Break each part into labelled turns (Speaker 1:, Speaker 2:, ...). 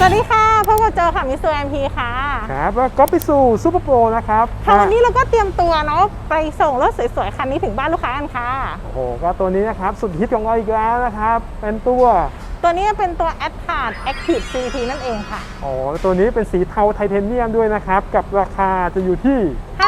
Speaker 1: วัสดีค่ะพบกับโจค่ะมิสเตอร์แอมพีค่ะ
Speaker 2: ครับแล้วก็ไปสู่ซูเปอร์โปรนะครับ
Speaker 1: ค่ะวันนี้เราก็เตรียมตัวเนาะไปส่งรถสวยๆคันนี้ถึงบ้านลูกค้ากันค่ะ
Speaker 2: โอ้โหก็ตัวนี้นะครับสุดฮิตของเราอีกแล้วนะครับเป็นตัว
Speaker 1: นี้เป็นตัว Atard Active CT นั่นเองค่ะ
Speaker 2: โอ้ตัวนี้เป็นสีเทาไทเทเนียมด้วยนะครับกับราคาจะอยู่ที่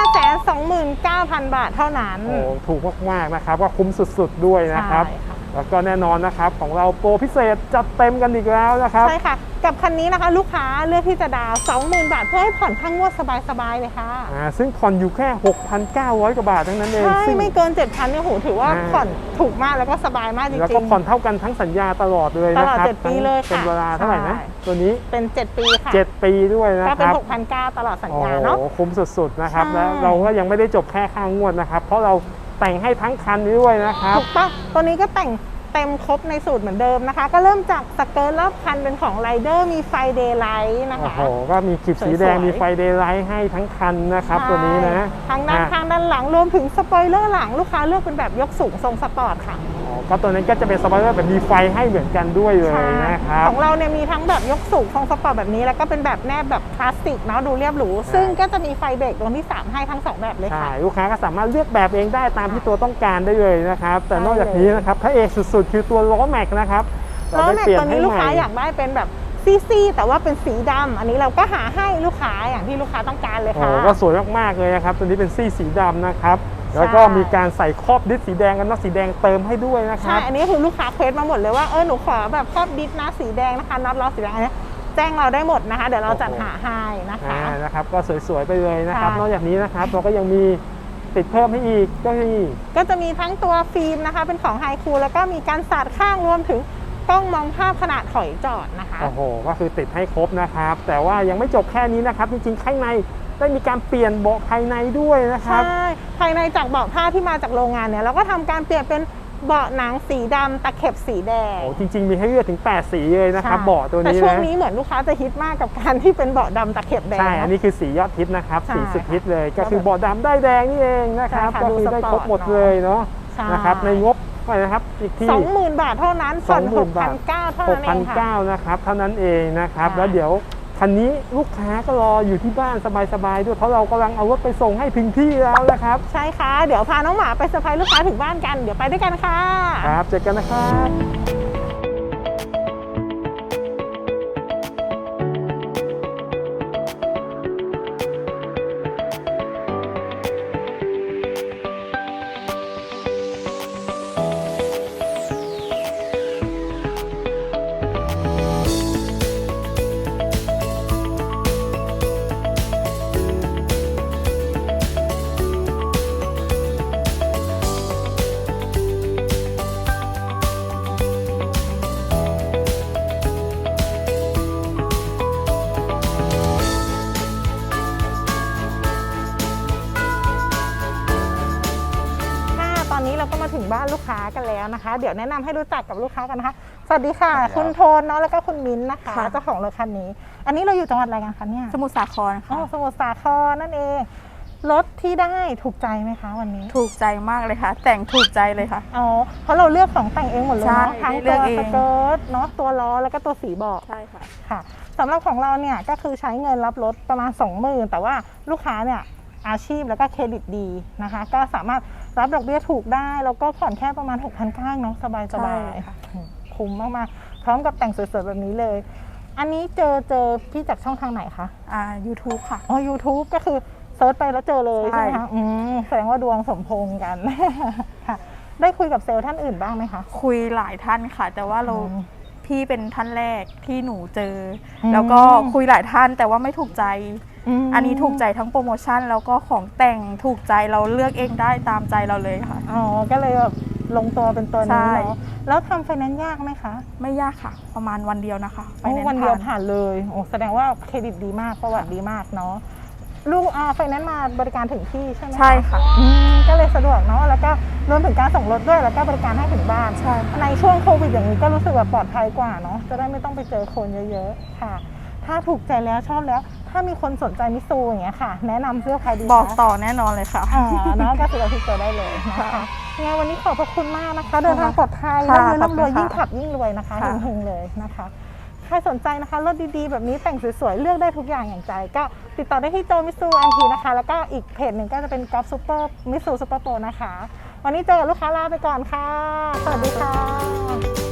Speaker 1: 529,000 บาทเท่านั้น
Speaker 2: โอ้ถูกมากๆนะครับก็คุ้มสุดๆด้วยนะครับแล้วก็แน่นอนนะครับของเราโปรพิเศษจัดเต็มกันอีกแล้วนะครับ
Speaker 1: ใช่ค่ะกับคันนี้นะคะลูกค้าเลือกที่จะดาว 20,000 บาทเพื่อให้ผ่อนค่างวดสบายๆเลยค่ะ
Speaker 2: ซึ่งผ่อนอยู่แค่ 6,900 กว่าบาททั้งนั้นเอง
Speaker 1: ใช่ไม่เกิน 7,000 เนี่ยโหถือว่าผ่อนถูกมากแล้วก็สบายมากจริงๆ
Speaker 2: แล้วก็ผ่อนเท่ากันทั้งสัญญาตลอดเลยนะครับ
Speaker 1: ตลอด7 ปีเลยค่ะ
Speaker 2: เป็นเวลาเท่าไหร่นะตัวนี้
Speaker 1: เป็น7 ปีค่ะ
Speaker 2: 7 ปีด้วยนะครับ
Speaker 1: ก็เป็น 6,900 ตลอดสัญญาเนาะ
Speaker 2: โอ้คุ้มสุดๆนะครับแล้วเราก็ยังไม่ได้จบแค่ค่างวดนะครับเพราะเราแต่งให้ทั้งคันด้วยนะครับ
Speaker 1: ถูกต้องตัวนี้ก็แต่งเต็มครบในสูตรเหมือนเดิมนะคะก็เริ่มจากสเกิร์ตรอบคันเป็นของไรเดอร์มีไฟเดย์ไลท์นะคะ
Speaker 2: โอ้โหก็มีขีดสีแดงมีไฟเดย์ไลท์ให้ทั้งคันนะครับตัวนี้นะ
Speaker 1: ทั้งด้านข้างด้านหลังรวมถึงสปอยเลอร์หลังลูกค้าเลือกเป็นแบบยกสูงทรงสปอร์ตค่ะ
Speaker 2: ก็ตัวนั้นก็จะเป็นสปอยเลอร์แบบมีไฟให้เหมือนกันด้วยเลยนะครับ
Speaker 1: ของเราเนี่ยมีทั้งแบบยกสูงทรงสปอร์ตแบบนี้แล้วก็เป็นแบบแนบแบบคลาสสิกเนาะดูเรียบหรูซึ่งก็จะมีไฟเบรกดวงที่3ให้ทั้ง2แบบเลยค่ะ
Speaker 2: ลูกค้าก็สามารถเลือกแบบเองได้ตามที่ตัวต้องการได้เลยนะครับแต่นอกจากนี้นะครับพระเอกสุดๆคือตัวล้อแม็กนะครับ
Speaker 1: ล้อแม็กตัวนี้ลูกค้าอยากได้เป็นแบบซีแต่ว่าเป็นสีดำอันนี้เราก็หาให้ลูกค้าอย่างที่ลูกค้าต้องการเลยค่ะ
Speaker 2: ก็สวยมากๆเลยนะครับตัวนี้เป็นสีดำนะครับแล้วก็มีการใส่ครอบดิสสีแดงกันน็อตสีแดงเติมให้ด้วยนะครับ
Speaker 1: ใช่อันนี้คือลูกค้าเควสมาหมดเลยว่าหนูขอแบบครอบดิสนะสีแดงนะคะน็อตล้อสีแดงอันนี้แจ้งเราได้หมดนะคะเดี๋ยวเราจัดหาให้
Speaker 2: นะครับก็สวยๆไปเลยนะครับนอกจากนี้นะครับเราก็ยังมีติดเพิ่มให้อีก
Speaker 1: ก็จะมีทั้งตัวฟิล์มนะคะเป็นของไฮคูลแล้วก็มีการสาดข้างรวมถึงกล้องมองภาพขณะถอยจอดนะคะ
Speaker 2: โอ้โหก็คือติดให้ครบนะครับแต่ว่ายังไม่จบแค่นี้นะครับจริงๆข้างในได้มีการเปลี่ยนเบาะภายในด้วยนะครับ
Speaker 1: ใช่ภายในจากเบาะผ้าที่มาจากโรงงานเนี่ยเราก็ทำการเปลี่ยนเป็นเบาะหนังสีดำตะเข็บสีแดง
Speaker 2: โอ้จริงๆมีให้เลือกถึง8สีเลยนะครับเบาะตัวนี้
Speaker 1: แต่ช่วงนี้เหมือนลูกค้าจะฮิตมากกับการที่เป็นเบาะดำตะเข็บแดง
Speaker 2: ใช่อันนี้คือสียอดฮิตนะครับสีสุดฮิตเลยก็คือเบาะดำได้แดงนี่เองนะครับก็คือได้ครบหมดเลยเนาะนะครับในงบนะครับอีกที่
Speaker 1: 20,000 บาทเท่านั้นผ่อน 6,900 เท่านั้นเองค่ะ
Speaker 2: 6,900 นะครับเท่านั้นเองนะครับแล้วเดี๋ยวคันนี้ลูกค้าก็รออยู่ที่บ้านสบายๆด้วยเพราะเรากำลังเอารถไปส่งให้ถึงที่แล้วนะครับ
Speaker 1: ใช่ค่ะเดี๋ยวพาน้องหมาไปเซอร์ไพรส์ลูกค้าถึงบ้านกันเดี๋ยวไปด้วยกันค่ะ
Speaker 2: ครับเจอกันนะครับ
Speaker 1: เราก็มาถึงบ้านลูกค้ากันแล้วนะคะเดี๋ยวแนะนำให้รู้จักกับลูกค้ากันนะคะสวัสดีค่ะคุณโทนเนาะแล้วก็คุณมิ้นนะคะเจ้าของรถคันนี้อันนี้เราอยู่จังหวัดอะไรกันคะเนี่ย
Speaker 3: สมุทรสาครค่ะ
Speaker 1: สมุทรสาครนั่นเองรถที่ได้ถูกใจไหมคะวันนี้
Speaker 3: ถูกใจมากเลยค่ะแต่งถูกใจเลยค่ะ
Speaker 1: เพราะเราเลือกของแต่งเองหมดเลยเนาะทั้งตัวสเกิร์ตเนาะตัวล้อแล้วก็ตัวสีเบาะ
Speaker 3: ใช่ค่ะ
Speaker 1: ค่ะสำหรับของเราเนี่ยก็คือใช้เงินรับรถประมาณ 20,000แต่ว่าลูกค้าเนี่ยอาชีพแล้วก็เครดิตดีนะคะก็สามารถรับดอกเบี้ยถูกได้แล้วก็ผ่อนแค่ประมาณ 6,900 เนาะสบายๆคุ้มมากๆพร้อมกับแต่งสวยๆแบบนี้เลยอันนี้เจอพี่จากช่องทางไหนคะ
Speaker 3: YouTube ค่ะ
Speaker 1: YouTube ก็คือเซิร์ชไปแล้วเจอเลยใช่ไหมคะแสดงว่าดวงสมพงษ์กันค่ะได้คุยกับเซลล์ท่านอื่นบ้างไหมคะ
Speaker 3: คุยหลายท่านค่ะแต่ว่าพี่เป็นท่านแรกที่หนูเจอแล้วก็คุยหลายท่านแต่ว่าไม่ถูกใจอันนี้ถูกใจทั้งโปรโมชั่นแล้วก็ของแต่งถูกใจเราเลือกเองได้ตามใจเราเลยค่ะ
Speaker 1: ก็เลยแบบลงตัวเป็นตัวนี้เนาะแล้วทำไฟแนนซ์ยากไหมคะ
Speaker 3: ไม่ยากค่ะประมาณวันเดียวนะคะ
Speaker 1: วันเดียวผ่านเลยแสดงว่าเครดิตดีมากประวัติดีมากเนาะลูกไฟแนนซ์มาบริการถึงที่ใช่ไหม
Speaker 3: ใช่ค่ะ
Speaker 1: ก็เลยสะดวกเนาะแล้วก็รวมถึงการส่งรถด้วยแล้วก็บริการให้ถึงบ้าน
Speaker 3: ใช่
Speaker 1: ในช่วงโควิดอย่างนี้ก็รู้สึกแบบปลอดภัยกว่าเนาะจะได้ไม่ต้องไปเจอคนเยอะๆค่ะถ้าถูกใจแล้วชอบแล้วถ้ามีคนสนใจมิซูอย่างเงี้ยค่ะแนะนำเสื้อใครดี
Speaker 3: บอกต่อแน่นอนเลยค่ะ
Speaker 1: เนาะก็คือเราติดต่อได้เลยนะคะยังไงวันนี้ขอบพระคุณมากนะคะเดินทางปลอดภัยร่ำรวยยิ่งขับยิ่งรวยนะคะเฮงๆเลยนะคะใครสนใจนะคะรถดีๆแบบนี้แต่งสวยๆเลือกได้ทุกอย่างอย่างใจก็ติดต่อได้ที่โจมิสูแอนทีนะคะแล้วก็อีกเพจหนึ่งก็จะเป็นกอล์ฟซูเปอร์มิสูซูเปอร์โปรนะคะวันนี้เจอกับลูกค้าลาไปก่อนค่ะสวัสดีค่ะ